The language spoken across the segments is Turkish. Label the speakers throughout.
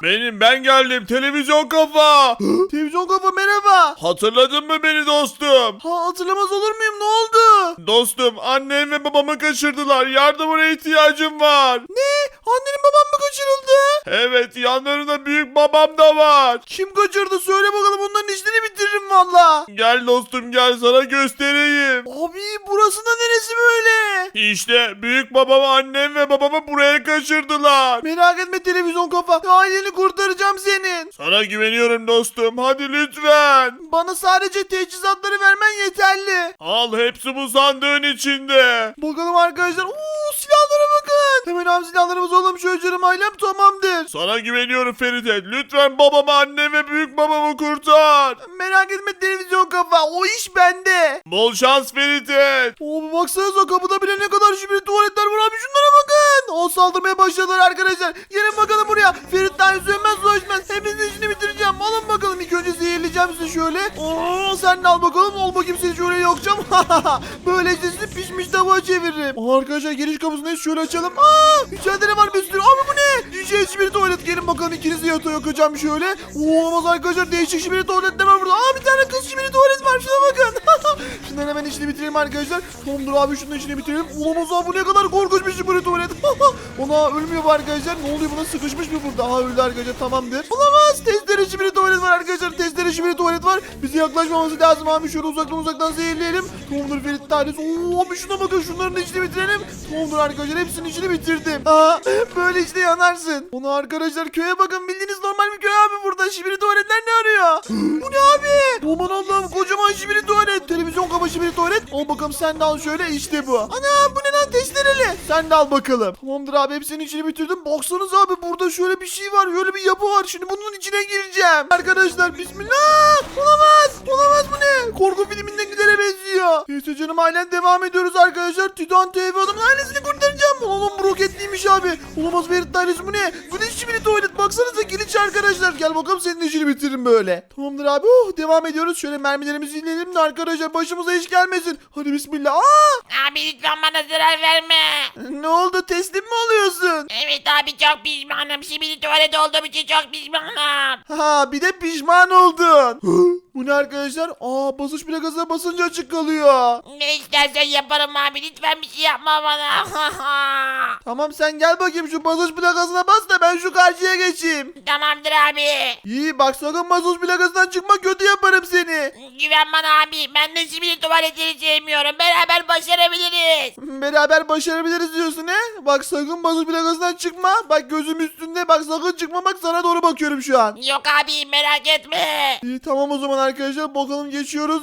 Speaker 1: Ben geldim, televizyon kafa.
Speaker 2: Televizyon kafa merhaba.
Speaker 1: Hatırladın mı beni dostum?
Speaker 2: Ha, hatırlamaz olur muyum, ne oldu?
Speaker 1: Dostum, annem ve babamı kaçırdılar. Yardımına ihtiyacım var.
Speaker 2: Ne? Annenin babam mı kaçırıldı?
Speaker 1: Evet, yanlarında büyük babam da var.
Speaker 2: Kim kaçırdı söyle bakalım, onların işlerini bitiririm valla.
Speaker 1: Gel dostum, gel sana göstereyim.
Speaker 2: Abi burası da neresi böyle?
Speaker 1: İşte büyük babamı, annem ve babamı buraya kaçırdılar.
Speaker 2: Merak etme televizyon kafa, aileni kurtaracağım senin.
Speaker 1: Sana güveniyorum dostum, hadi lütfen.
Speaker 2: Bana sadece teçhizatları vermen yeterli.
Speaker 1: Al, hepsi bu sandığın içinde.
Speaker 2: Bakalım arkadaşlar. Silahlara bakın. Hemen abi silahlarımızı alalım, şöyle canım ailem tamamdır.
Speaker 1: Sana güveniyorum Feride. Lütfen babamı, annem ve büyük babamı kurtar.
Speaker 2: Merak etme televizyon kafa, o iş bende.
Speaker 1: Bol şans Feride.
Speaker 2: Abi baksanıza, kapıda bile ne kadar şibiri tuvaletler var abi, şunlara bakın. O saldırmaya başladılar arkadaşlar. Gelin bakalım buraya. Ferit daha sönmez dolaşmaz. Hepinizin işini bitireceğim. Alın bakalım, ilk önce zehirleyeceğim sizi şöyle. Sen de al bakalım. Ol bakayım, seni şöyle yokacağım. Böylece sizi pişmiş tabağa çeviririm. Arkadaşlar giriş kapısındayız, şöyle açalım. İçeride ne var bir sürü. Abi bu ne? Şibiri tuvalet. Gelin bakalım, ikinizi yatağa yakacağım şöyle. Olamaz arkadaşlar, değişik şibiri tuvaletler var burada. Bir tane kız şibiri tuvalet var, şuna bakın. Şundan hemen işini bitirelim arkadaşlar. Tamamdır abi, şunun işini bitirelim. Olamaz abi, bu ne kadar korkunç bir şibiri tuvalet. Ona ölmüyor bu arkadaşlar. Ne oluyor, buna sıkışmış mı burada? Öldü arkadaşlar, tamamdır. Olamaz, testere şibiri tuvalet var arkadaşlar. Testere şibiri tuvalet var. Bize yaklaşmaması lazım abi. Şöyle uzaktan zehirleyelim. Tamamdır Ferit tanesi. Abi şuna bakın, şunların da işini bitirelim. Tamamdır arkadaşlar, hepsinin işini bitirdim. Böyle işte yanarsın. Onu arkadaşlar, köye bakın, bildiğiniz normal bir köy abi burada. Şibiri tuvaletler ne arıyor? Bu ne abi? Aman Allah'ım, kocaman şibiri tuvalet. Televizyon kaba şibiri tuvalet. Al bakalım, sen de al şöyle, işte bu. Ana, bu ne lan, testereli. Sen de al bakalım. Tamamdır abi, hepsinin içini bitirdim. Baksanıza abi, burada şöyle bir şey var. Şöyle bir yapı var. Şimdi bunun içine gireceğim. Arkadaşlar bismillah. Olamaz, bu ne? Korku filminden gidere benziyor. Neyse canım ailem, devam ediyoruz arkadaşlar. Titan TV adamın ailesini kurtaracağım. Oğlum bu roketliymiş abi. Olamaz, Ferit ailesi bu ne? Bu ne şibiri tuvalet, baksanıza giriş arkadaşlar. Gel bakalım, senin işini bitiririm böyle. Tamamdır abi, devam ediyoruz. Şöyle mermilerimizi inelim de arkadaşlar, başımıza iş gelmesin. Hadi bismillah.
Speaker 3: Abi lütfen bana zarar verme.
Speaker 2: Ne oldu, teslim mi oluyorsun?
Speaker 3: Evet abi, çok pişmanım. Şimdi tuvalet olduğum için çok pişmanım.
Speaker 2: Bir de pişman oldun. Bu ne arkadaşlar? Basınç plakasına basınca açık kalıyor.
Speaker 3: Ne istersen yaparım abi. Lütfen bir şey yapma bana.
Speaker 2: Tamam, sen gel bakayım, şu basınç plakasına bas da ben şu karşıya geçeyim.
Speaker 3: Tamamdır abi.
Speaker 2: İyi bak, sakın basınç plakasından çıkma, kötü yaparım seni.
Speaker 3: Güven bana abi. Ben de şimdi tuvaletleri sevmiyorum. Beraber başarabiliriz.
Speaker 2: Beraber başarabiliriz diyorsun he? Bak sakın basınç plakasından çıkma. Bak gözüm üstünde, bak sakın çıkma, bak sana doğru bakıyorum şu an.
Speaker 3: Yok abi, merak etme.
Speaker 2: İyi tamam, o zaman arkadaşlar bakalım, geçiyoruz.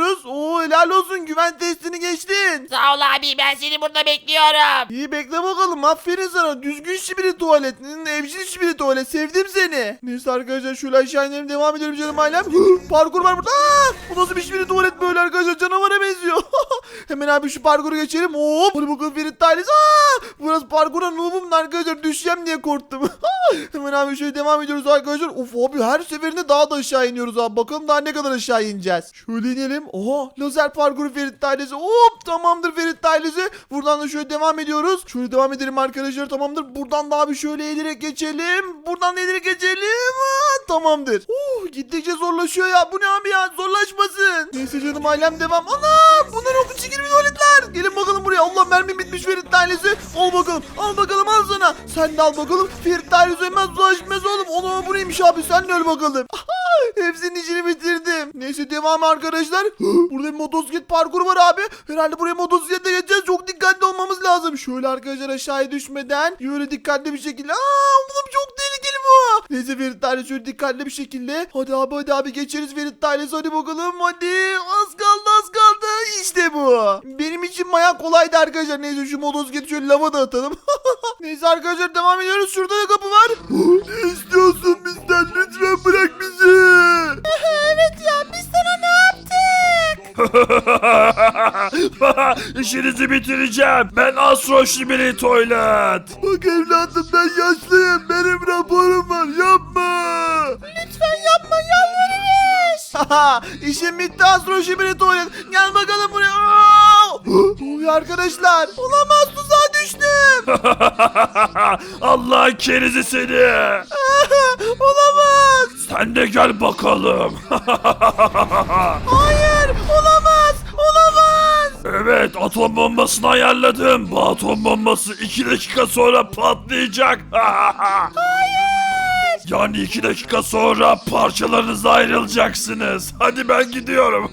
Speaker 2: Helal olsun, güven testini geçtin.
Speaker 3: Sağ ol abi, ben seni burada bekliyorum.
Speaker 2: İyi bekle bakalım, aferin sana, düzgün şibiri tuvalet, evcil şibiri tuvalet, sevdim seni. Neyse arkadaşlar, şöyle aşağı inelim, devam edelim canım ailem. Parkur var burada. Bu nasıl bir şibiri tuvalet böyle arkadaşlar, canavara benziyor. Hemen abi şu parkuru geçelim. Hadi bakalım Ferit ailesi. Burası parkura noobum arkadaşlar, düşeceğim diye korktum. Hemen abi şöyle devam ediyoruz arkadaşlar. Of abi, her seferinde daha da aşağı iniyoruz abi. Bakalım daha ne kadar aşağı ineceğiz. Şöyle inelim. Lazer parkuru Ferit ailesi. Tamamdır Ferit ailesi. Buradan da şöyle devam ediyoruz. Şöyle devam edelim arkadaşlar, tamamdır. Buradan da abi şöyle eğilerek geçelim. Tamamdır. Gittikçe zorlaşıyor ya. Bu ne abi ya, zorlaşmasın. Neyse canım ailem, devam. Bunlar okul çekir mi tuvaletler? Gelin bakalım buraya. Allah, mermi bitmiş Ferit ailesi. Al bakalım al sana. Sen de al bakalım. Ferit ailesi hemen dolaşmaz oğlum. Bu neymiş abi, sen de öl bakalım. Hepsinin işini bitirdim. Neyse devam arkadaşlar. Burada bir motosiklet parkuru var abi. Herhalde buraya motosikletle geçeceğiz. Çok dikkatli olmamız lazım. Şöyle arkadaşlar, aşağıya düşmeden böyle dikkatli bir şekilde. Oğlum çok tehlikeli bu. Neyse Ferit ailesi, şöyle dikkatli bir şekilde. Hadi abi geçeriz Ferit ailesi. Hadi bakalım, hadi. Az kaldı. İşte bu. Benim için bayağı kolaydı arkadaşlar. Neyse şu motosikleti şöyle lava da atalım. Neyse arkadaşlar, devam ediyoruz. Şurada da kapı var. Ne istiyorsun bizden? Lütfen bırak bizi. Evet ya, biz sana ne yaptık?
Speaker 1: İşinizi bitireceğim. Ben Astro Şibiri Tuvalet.
Speaker 2: Bak evladım, ben yaşlıyım. Benim raporum var. Yapma. Lütfen yapma, yalvarırız. İşim bitti Astro Şibiri Tuvalet. Gel bakalım buraya. Ne oluyor arkadaşlar? Olamaz, tuzağa düştüm.
Speaker 1: Allah kerizi seni.
Speaker 2: Olamaz.
Speaker 1: Sen de gel bakalım.
Speaker 2: Hayır olamaz. Olamaz.
Speaker 1: Evet, atom bombasını ayarladım. Bu atom bombası 2 dakika sonra patlayacak. Yani 2 dakika sonra parçalarınıza ayrılacaksınız. Hadi ben gidiyorum.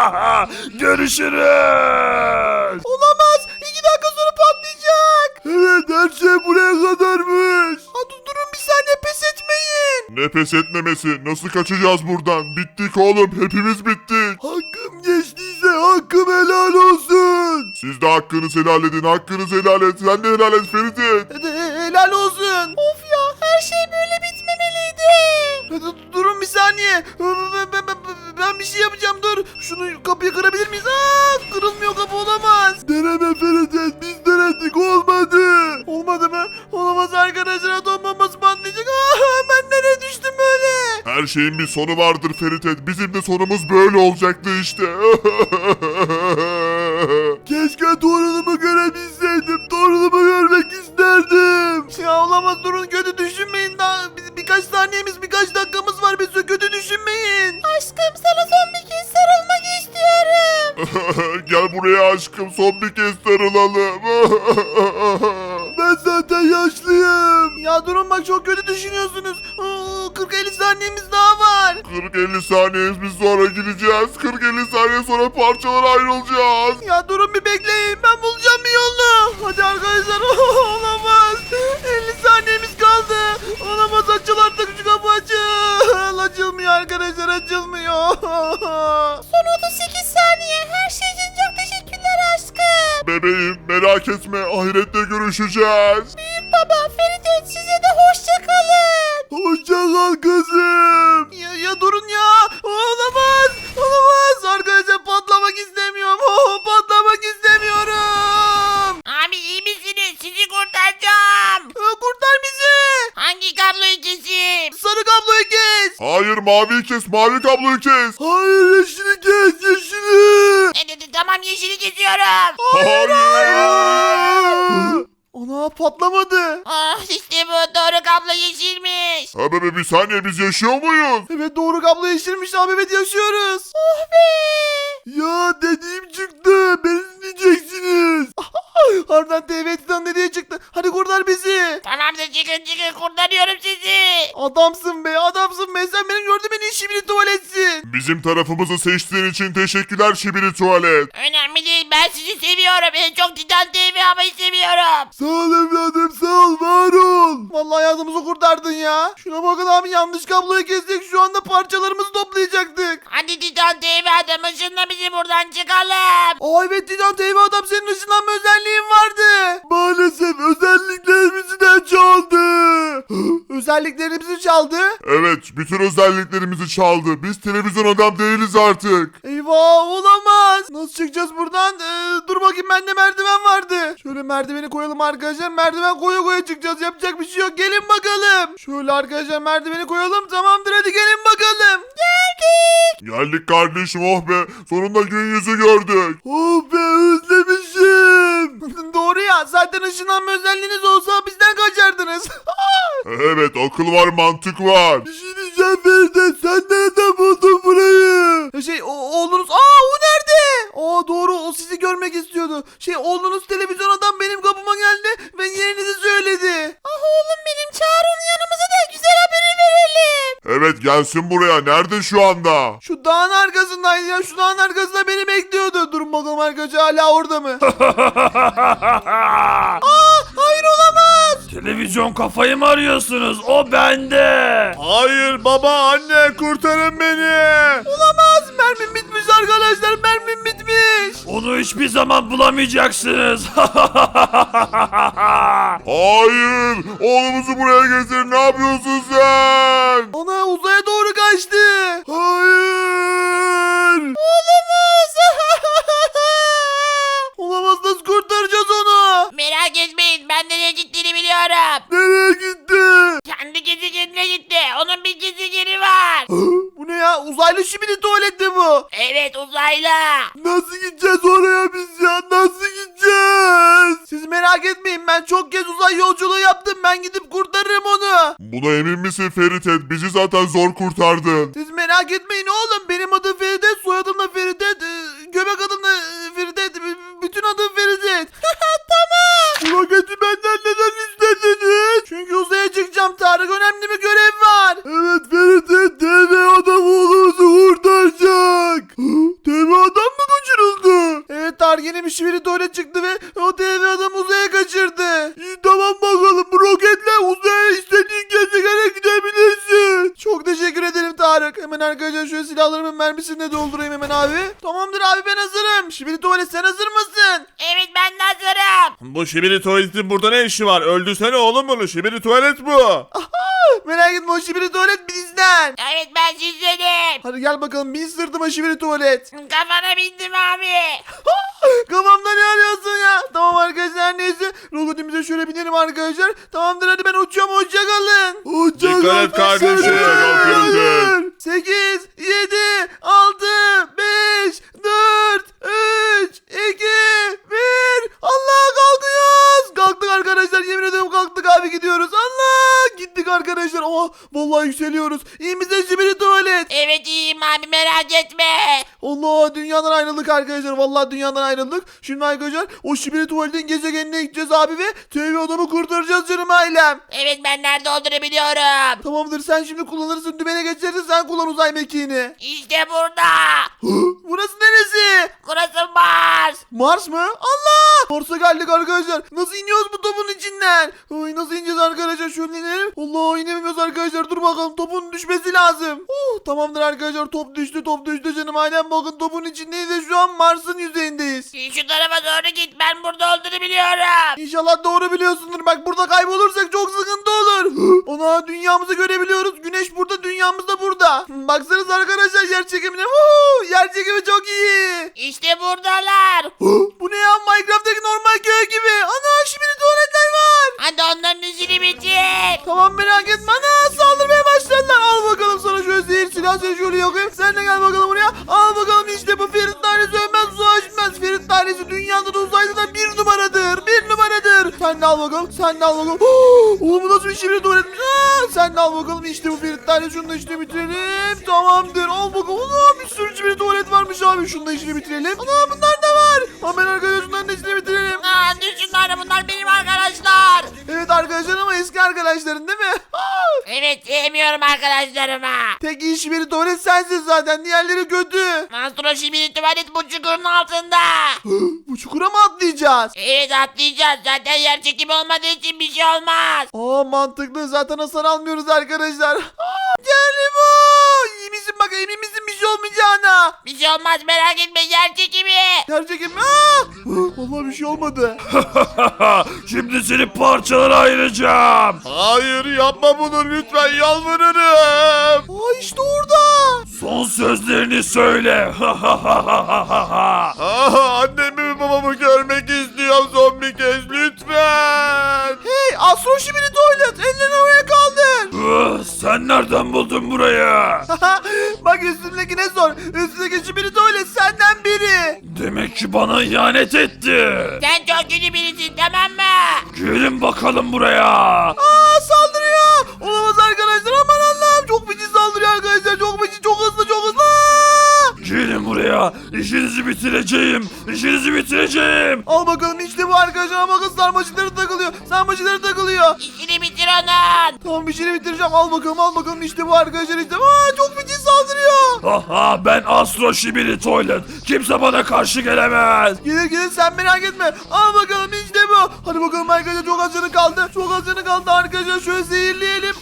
Speaker 1: Görüşürüz.
Speaker 2: Olamaz. 2 dakika sonra patlayacak. Evet her şey buraya kadarmış. Durun bir saniye pes etmeyin.
Speaker 4: Ne pes etmemesi? Nasıl kaçacağız buradan? Bittik oğlum, hepimiz bittik.
Speaker 2: Hakkım geçtiyse hakkım helal olsun.
Speaker 4: Siz de hakkınızı helal edin, hakkınızı helal et. Sen de helal et Ferit'in.
Speaker 2: Helal olsun. Of ya her şey böyle bitmemeliydi. Durun bir saniye. Ben bir şey yapacağım dur. Şunu kapıyı kırabilir miyiz? Kırılmıyor kapı olamaz. Deneme Ferit biz denedik olmadı. Olmadı mı? Olamaz arkadaşlar atom bombası patlayacak. Ben nereye düştüm böyle?
Speaker 4: Her şeyin bir sonu vardır Ferit. Bizim de sonumuz böyle olacaktı işte.
Speaker 2: Keşke torunumu görebilseydim. Torunumu görmek isterdim. Ya olamaz durun kötü düşünmeyin. Daha birkaç saniyemiz birkaç dakikamız var. Biz kötü düşünmeyin. Aşkım sana son bir kez sarılmak istiyorum.
Speaker 4: Gel buraya aşkım, son bir kez sarılalım.
Speaker 2: Ben zaten yaşlıyım. Ya durun bak çok kötü düşünüyorsunuz. 40-50 saniyemiz daha var.
Speaker 4: 40-50 saniyemiz sonra gideceğiz. 40-50 saniye sonra parçalara ayrılacağız.
Speaker 2: Ya durun bir bekleyin. Ben bulacağım bir yolunu. Hadi arkadaşlar. Olamaz. 50 saniyemiz kaldı. Olamaz açıl artık şu kapı açıl. Açılmıyor arkadaşlar açılmıyor. Son 38 saniye. Her şey için çok teşekkürler aşkım.
Speaker 4: Bebeğim merak etme, ahirette görüşeceğiz.
Speaker 2: Büyük baba Ferit size de hoşça kalın. Hoşça kal kızım. Ya durun ya. Olamaz. Olamaz. Arkadaşlar patlamak istemiyorum. Patlamak istemiyorum.
Speaker 3: Abi iyi misiniz? Sizi kurtaracağım.
Speaker 2: Kurtar bizi.
Speaker 3: Hangi kabloyu keseyim?
Speaker 2: Sarı kabloyu kes.
Speaker 4: Hayır, maviyi kes, mavi kabloyu kes.
Speaker 2: Hayır yeşili kes yeşili.
Speaker 3: Tamam yeşili kesiyorum.
Speaker 4: Hayır.
Speaker 2: Ana patlamadı.
Speaker 3: İşte bu doğru kablo yeşilmiş.
Speaker 4: Ha bebe, bir saniye, biz yaşıyor muyuz?
Speaker 2: Evet doğru kablo yeşilmiş abi evet yaşıyoruz. Oh be. Ya dediğim çıktı. Beni dinleyeceksiniz. Harbiden TV Titan dediği çıktı. Hadi kurtar bizi.
Speaker 3: Tamamdır çıkın kurtarıyorum sizi.
Speaker 2: Adamsın be adamsın be. Sen benim gördüğüm en iyi şibili tuvaletsin.
Speaker 4: Bizim tarafımızı seçtiğin için teşekkürler Şibiri Tuvalet.
Speaker 3: Önemli değil ben sizi seviyorum. En çok Titan TV havayı seviyorum.
Speaker 2: Sağ ol evladım sağ ol var ol. Vallahi hayatımızı kurtardın ya. Şuna bakın abi yanlış kabloyu kestik. Şu anda parçalarımızı toplayacaktık.
Speaker 3: Hadi Titan TV adam ışınla bizi buradan çıkalım.
Speaker 2: Evet Titan TV adam senin ışınlanma özelliğin vardı. Maalesef özelliklerimizi de çaldı. Özelliklerimizi çaldı.
Speaker 4: Evet, bütün özelliklerimizi çaldı. Biz televizyon adam değiliz artık.
Speaker 2: Eyvah olamaz. Nasıl çıkacağız buradan? Dur bakayım bende merdiven vardı. Şöyle merdiveni koyalım arkadaşlar. Merdiven koya koya çıkacağız. Yapacak bir şey yok. Gelin bakalım. Şöyle arkadaşlar merdiveni koyalım. Tamamdır hadi gelin bakalım. Geldik.
Speaker 4: Geldik kardeşim, oh be. Sonunda gün yüzü gördük.
Speaker 2: Oh be özlemişim. Doğru ya. Zaten ışınlanma özelliğiniz olsa bizden kaçardınız.
Speaker 4: Evet, akıl var, mantık var.
Speaker 2: Bir şey diyeceğim Feride. Sen nereden buldun burayı? Oğlunuz. O nerede? Doğru o sizi görmek istiyordu. Oğlunuz televizyon adam benim kapıma geldi ve yerinizi söyledi. Oğlum benim çağır onu yanımıza da güzel haberi verelim.
Speaker 4: Evet, gelsin buraya. Nerede şu anda?
Speaker 2: Şu dağın arkasındaydı ya. Şu dağın arkasında beni bekliyordu. Durun bakalım arkadaşlar hala orada mı? Hayır olamaz.
Speaker 1: Televizyon kafayı mı arıyorsunuz? O bende.
Speaker 4: Hayır baba, anne, kurtarın beni.
Speaker 2: Olamaz. Mermim bitmiş arkadaşlar. Mermim bitmiş.
Speaker 1: Onu hiçbir zaman bulamayacaksınız.
Speaker 4: Hayır, oğlumuzu buraya getir. Ne yapıyorsun sen?
Speaker 2: Ana uzaya doğru kaçtı. Hayır. Olamaz. Olamaz nasıl kurtaracağız onu?
Speaker 3: Merak etmeyin ben nereye gittiğini biliyorum.
Speaker 2: Nereye gitti?
Speaker 3: Kendi gezegenine gitti. Onun bir gezegeni var.
Speaker 2: Bu ne ya? uzaylı şibili tuvalet mi bu?
Speaker 3: Evet uzaylı.
Speaker 2: Nasıl gideceğiz oraya biz ya? Nasıl gideceğiz? Siz merak etmeyin, ben çok kez uzay yolculuğu yaptım. Ben gidip kurtarırım onu.
Speaker 4: Buna emin misin Feritet? Bizi zaten zor kurtardın.
Speaker 2: Siz merak etmeyin oğlum. Benim adım Feridet, soyadım da Feridet, göbek adım da Feridet, bütün adım Feridet. Tamam. Bu roketi benden neden istediniz? Çünkü uzaya çıkacağım Tarık. Önemli bir görev var. Evet Feridet, dev adam oğlumuzu kurtaracak. Dev adam mı kaçırıldı? Evet Tarık, yeni bir şiveri tuvalet çıktı ve o dev adam uzaya kaçırdı. İyi, tamam bakalım, bu roketle uzaya istediğin gezegene gidebilirsin. Çok teşekkür ederim Tarık. Hemen arkadaşlar şöyle silahlarımın mermisini de doldurayım hemen abi. Tamamdır abi, ben hazırım. Şiveri tuvalet, sen hazır mısın?
Speaker 3: Evet ben de hazırım.
Speaker 5: Bu şibiri tuvaletin burada ne işi var? Öldürsene oğlum bunu. Şibiri tuvalet bu.
Speaker 2: Merak etme, o şiveri tuvalet bizden.
Speaker 3: Evet ben sizdenim.
Speaker 2: Hadi gel bakalım, bin sırtıma şiveri tuvalet.
Speaker 3: Kafana bindim abi.
Speaker 2: Kafamda ne arıyorsun ya? Tamam arkadaşlar, neyse. Roketimize şöyle binelim arkadaşlar. Tamamdır, hadi ben uçuyorum, hoşçakalın.
Speaker 5: Dikkat et kardeşim.
Speaker 4: Hoşçakal.
Speaker 2: 8, 7, 6, 5, 4, 3, 2, 1. Allah, kalkıyoruz. Kalktık arkadaşlar, yemin ederim kalktık abi, gidiyoruz. Allah, gittik arkadaşlar. Oh, vallahi yükseliyoruz. İyi misin şibiri tuvalet?
Speaker 3: Evet iyiyim abi merak etme.
Speaker 2: Allah, dünyadan ayrıldık arkadaşlar. Vallahi dünyadan ayrıldık. Şimdi arkadaşlar o şibiri tuvaletin gezegenine gideceğiz abi ve TV adamı kurtaracağız canım ailem.
Speaker 3: Evet ben nerede olduğunu biliyorum.
Speaker 2: Tamamdır, sen şimdi kullanırsın, dümene geçersin, sen kullan uzay mekiğini.
Speaker 3: İşte burada.
Speaker 2: Burası neresi?
Speaker 3: Burası Mars.
Speaker 2: Mars mı? Allah! Mars'a geldik arkadaşlar. Nasıl iniyoruz bu topun içinden? Ay, nasıl ineceğiz arkadaşlar? Şöyle inelim. Allah, inemiyoruz arkadaşlar. Dur bakalım, topun düşmesi lazım. Tamamdır arkadaşlar, top düştü, top düştü canım ailem. Bakın topun içindeyiz ve şu an Mars'ın yüzeyindeyiz.
Speaker 3: Şu tarafa doğru git ben burada olduğunu biliyorum.
Speaker 2: İnşallah doğru biliyorsundur. Bak, burada kaybolursak çok sıkıntı olur. Ona dünyamızı görebiliyoruz. Güneş burada, dünyamız da burada. Baksanıza arkadaşlar yer çekimine. Yer çekimi çok iyi.
Speaker 3: İşte buradalar.
Speaker 2: Bu ne ya? Minecraft'taki normal köy gibi. Ana, şimdi tuvaletler var.
Speaker 3: Hadi onların işini bitir.
Speaker 2: Tamam, merak etme. Ana, saldırmaya başladılar. Al bakalım sana şöyle zehir silah, seni şöyle yakayım. Sen de gel bakalım buraya. Al bakalım, işte bu Ferit tanesi ölmez, savaşmaz. Ferit tanesi dünyada da uzayda da bir numaradır. Bir numaradır. Sen de al bakalım. Sen de al bakalım. Oğlum, bu nasıl bir şibiri tuvaletmiş. Sen de al bakalım. İşte bu Ferit tanesi. Şunu da işte bitirelim. Tamamdır. Al bakalım. Ana, bir sürü şibiri tuvalet varmış abi. Şunu da işini bitirelim. Ana, bunlar da var. Hemen arkadaşlar şunların da işini bitirelim.
Speaker 3: Düşünler bunlar benim arkadaşlar.
Speaker 2: Evet arkadaşlar, ama eski arkadaşların değil mi?
Speaker 3: Evet sevmiyorum arkadaşlarımı.
Speaker 2: Tek iyi şibiri tuvalet sensin zaten. Diğerleri kötü.
Speaker 3: Astro şimdi tuvalet bu çukurun altında.
Speaker 2: Bu çukura mı atlayacağız?
Speaker 3: Evet atlayacağız zaten yer çekimi olmadığı için bir şey olmaz.
Speaker 2: Mantıklı. Zaten hasar almıyoruz arkadaşlar. Geldim o. İyi misin bak, emin misin bir şey olmayacağına?
Speaker 3: Bir şey olmaz merak etme yer çekimi.
Speaker 2: Gerçekten mi? Vallahi bir şey olmadı.
Speaker 1: Şimdi seni parçalara ayıracağım.
Speaker 5: Hayır yapma bunu lütfen, yalvarırım.
Speaker 2: İşte orada.
Speaker 1: Son sözlerini söyle.
Speaker 5: Annemi ve babamı görmek istiyorum son bir kez lütfen.
Speaker 2: Hey, Astro şibiri tuvalet. Ellerini havaya kaldır.
Speaker 1: Sen nereden buldun burayı?
Speaker 2: Bak, üstündekine sor. Üstündeki şibiri tuvalet senden biri.
Speaker 1: Demek ki bana ihanet etti.
Speaker 3: Sen çok kötü birisin tamam mı?
Speaker 1: Gelin bakalım buraya.
Speaker 2: Saldırıyor. Olamaz arkadaşlar, aman Allah'ım. Çok feci saldırıyor arkadaşlar. Çok feci, çok hızlı, çok hızlı.
Speaker 1: Gelin buraya. İşinizi bitireceğim. İşinizi bitireceğim.
Speaker 2: Al bakalım, işte bu arkadaşlar. Bakın, sarmaşıkları takılıyor. Sarmaşıkları takılıyor.
Speaker 3: İşini bitir onun.
Speaker 2: Tamam, bir şeyini bitireceğim. Al bakalım, al bakalım. İşte bu arkadaşlar, işte. Çok feci saldırıyor.
Speaker 1: Ben Astro Şibiri Toilet. Kimse bana karşı gelemez.
Speaker 2: Gelir gelir, sen merak etme. Al bakalım, işte bu. Hadi bakalım arkadaşlar, çok az canı kaldı. Çok az canı kaldı arkadaşlar. Şöyle zehirleyelim.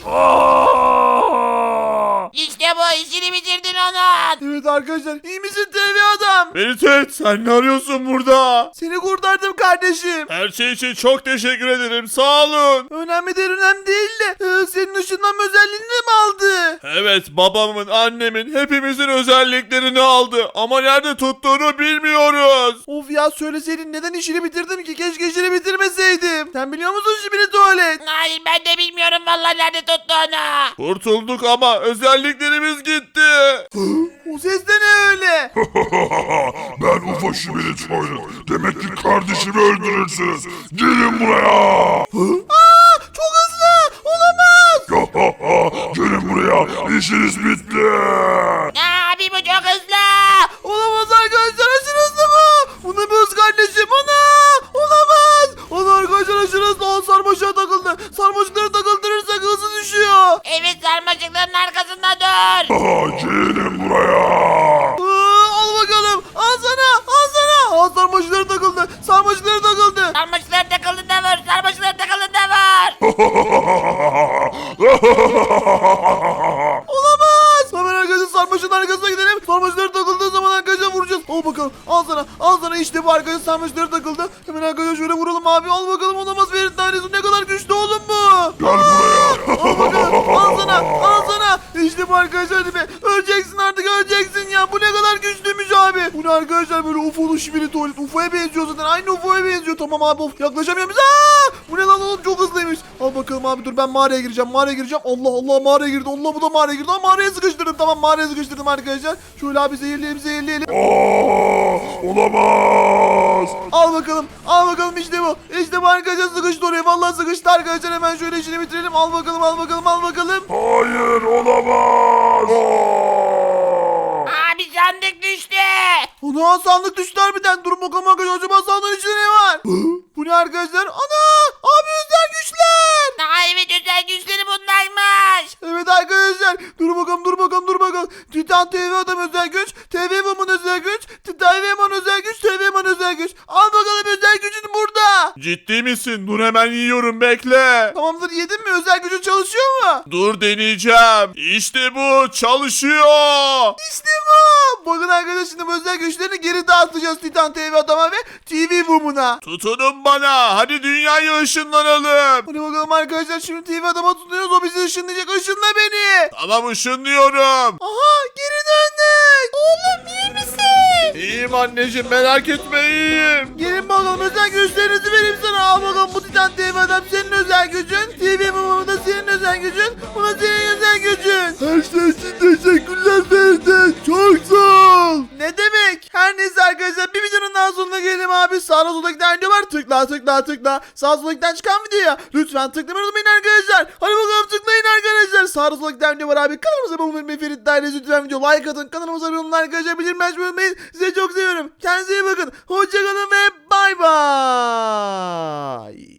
Speaker 3: İşte bu işini bitirdin onun.
Speaker 2: Evet arkadaşlar, iyi misin TV adam?
Speaker 5: Feritet, sen ne arıyorsun burada?
Speaker 2: Seni kurtardım kardeşim.
Speaker 5: Her şey için çok teşekkür ederim, sağ olun.
Speaker 2: Önemli değil, önemli değil de senin ışınlanma özelliğini de mi aldı?
Speaker 5: Evet, babamın, annemin, hepimizin özelliklerini aldı ama nerede tuttuğunu bilmiyoruz.
Speaker 2: Of ya, söyleseydin, neden işini bitirdim ki? Keşke işini bitirmeseydim. Sen biliyor musun şibiri tuvalet?
Speaker 3: Hayır ben de bilmiyorum vallahi nerede tuttuğunu.
Speaker 5: Kurtulduk ama özelliklerimiz gitti. gitti.
Speaker 2: O ses de ne öyle?
Speaker 4: Ben UFO şibili Toilet. Demek ki kardeşimi öldürürsünüz. Gelin buraya.
Speaker 2: Aa, çok hızlı. Olamaz.
Speaker 4: Gelin buraya. İşiniz bitti.
Speaker 3: Abi bu çok hızlı.
Speaker 2: Olamaz arkadaşlar, aşırı hızlı bu. Bu ne bir hız kardeşim, ana. Olamaz. Ana arkadaşlar, aşırı hızlı. O sarmaşığa takıldı. Sarmaşıkları takıldırırsak hızı düşüyor.
Speaker 3: Evet sarmaşıkların arkasında dur.
Speaker 4: Gelin buraya.
Speaker 2: Al bakalım. Al sana. Al sana. Al, sarmaşıkları takıldı. Sarmaşıkları takıldı.
Speaker 3: Sarmaşıklar takıldığında vur. Sarmaşıklar takıldığında vur.
Speaker 2: Olamaz. Hemen arkadaşlar sarmaşığın arkasına gidelim. Sarmaşıkları takıldığı zaman arkadaşlar vuracağız. Al bakalım. Al sana. Al sana, işte bu arkadaşlar sarmaşıkları takıldı. Hemen arkadaşlar şöyle vuralım abi. Al bakalım, olamaz. Ferit tanesi ne kadar güçlü oğlum bu.
Speaker 4: Gel buraya.
Speaker 2: Al bakalım. Al sana. Al sana. İşte bu arkadaşlar, hadi be. Öleceksin artık, öleceksin ya. Bu ne kadar güçlüymüş abi. Bu ne arkadaşlar, böyle UFO'lu şibiri tuvalet. UFO'ya benziyor zaten. Aynı UFO'ya benziyor. Tamam abi, of. Yaklaşamıyorum. Bu ne lan oğlum, çok hızlıymış. Al bakalım abi, dur ben mağaraya gireceğim. Mağaraya gireceğim. Allah Allah, mağaraya girdi. Allah, bu da mağaraya girdi. Ama mağaraya sıkıştırdım. Tamam, mağaraya sıkıştırdım arkadaşlar. Şöyle abi zehirleyelim, zehirleyelim.
Speaker 4: Olamaz.
Speaker 2: Al bakalım. Al bakalım, işte bu. İşte bu arkadaşlar, sıkıştı oraya. Vallahi sıkıştı arkadaşlar. Hemen şöyle işini bitirelim. Al bakalım, al bakalım, al bakalım.
Speaker 4: Hayır, olamaz.
Speaker 3: Abi sandık düştü.
Speaker 2: Ana, sandık düştü harbiden. Durun bakalım arkadaşlar. Acaba sandığın içinde ne var? Bu ne arkadaşlar? Ana! Abi, özel güçler.
Speaker 3: Evet özel güçleri bunlarmış.
Speaker 2: Evet arkadaşlar. Dur bakalım, dur bakalım, dur bakalım. Titan TV adam özel güç. TV Woman özel güç. TV Woman özel güç. TV Woman özel güç. Al bakalım, özel gücün burada.
Speaker 5: Ciddi misin? Dur hemen yiyorum, bekle.
Speaker 2: Tamamdır, yedin mi? Özel gücün çalışıyor mu?
Speaker 5: Dur deneyeceğim. İşte bu çalışıyor.
Speaker 2: İşte bu. Bakın arkadaşlar, şimdi bu özel güçlerini geri dağıtacağız Titan TV adama ve TV Woman'a.
Speaker 5: Tutunun bana. Hadi dünyaya ışınlanalım.
Speaker 2: Hadi bakalım arkadaşlar, şimdi TV adama tutuyoruz. O bizi ışınlayacak. Işınla beni.
Speaker 5: Tamam, ışınlıyorum.
Speaker 2: Aha, geri döndük. Oğlum, iyi misin?
Speaker 5: İyiyim anneciğim, merak etme, iyiyim.
Speaker 2: Gelin bakalım, özel güçlerinizi vereyim sana. Al bakalım, bu Titan TV adam senin özel gücün. TV Woman da senin özel gücün. Bu da senin özel gücün. Her şey için teşekkürler Feride. Çok sağ ol. Ne demek? Her neyse arkadaşlar, bir videonun daha sonuna gelelim abi. Sağda solda giden video var. Tıkla tıkla tıkla. Sağ solda giden çıkan videoya lütfen tıklamayı unutmayın arkadaşlar. Hadi bakalım, tıklayın arkadaşlar. Sağda solda giden video var abi. Kanalımıza abone olmayı unutmayın. Ferit Dairesi lütfen video like atın. Kanalımıza abone olun arkadaşlar. Bildirim açmayı unutmayın. Size çok seviyorum. Kendinize iyi bakın. Hoşçakalın ve bay bay.